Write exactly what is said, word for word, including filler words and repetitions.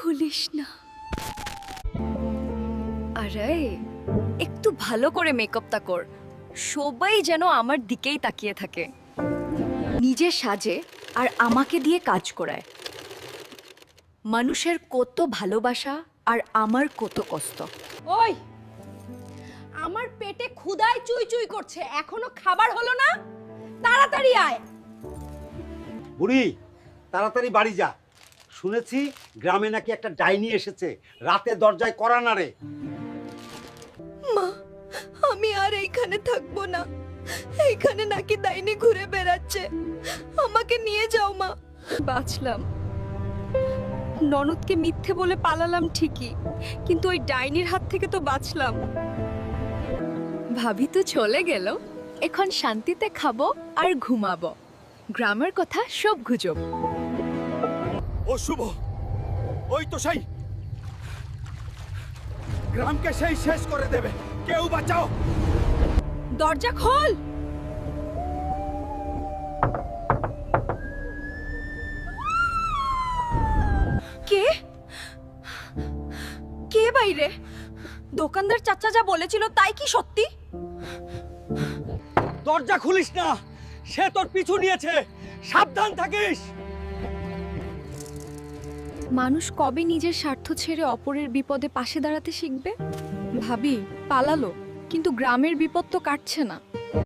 খুলিস না। আরে একটু ভালো করে মেকআপটা কর, সবাই যেন আমার দিকেই তাকিয়ে থাকে। নিজে সাজে আর আমাকে দিয়ে কাজ করায়। মানুষের কত ভালোবাসা আর আমার কত কষ্ট। ওই, আমার পেটে ক্ষুধায় চুই চুই করছে, এখনো খাবার হলো না? তাড়াতাড়ি আয়। বুড়ি তাড়াতাড়ি বাড়ি যা, শুনেছি গ্রামে নাকি একটা ডাইনি এসেছে, রাতে দরজায় কড়া নাড়ে। মা, আমি আর এইখানে থাকবো না। এইখানে নাকি ডাইনি ঘুরে বেড়াচ্ছে, আমাকে নিয়ে যাও মা। বাঁচলাম, ননদকে মিথ্যে বলে পালালাম ঠিকই, কিন্তু ওই ডাইনির হাত থেকে তো বাঁচলাম। ভাবি তো চলে গেল, এখন শান্তিতে খাবো আর ঘুমাবো। গ্রামের কথা সব গুজব। ও শুভ, ওই তো সেই গ্রামকে সেই শেষ করে দেবে, কেউ বাঁচাও। দরজা খোল। কে কে বাইরে? দোকানদার চাচা যা বলেছিল তাই কি সত্যি? দরজা খুলিস না, সে তোর পিছু নিয়েছে, সাবধান থাকিস। মানুষ কবে নিজের স্বার্থ ছেড়ে অপরের বিপদে পাশে দাঁড়াতে শিখবে? ভাবি পালালো, কিন্তু গ্রামের বিপদ তো কাটছে না।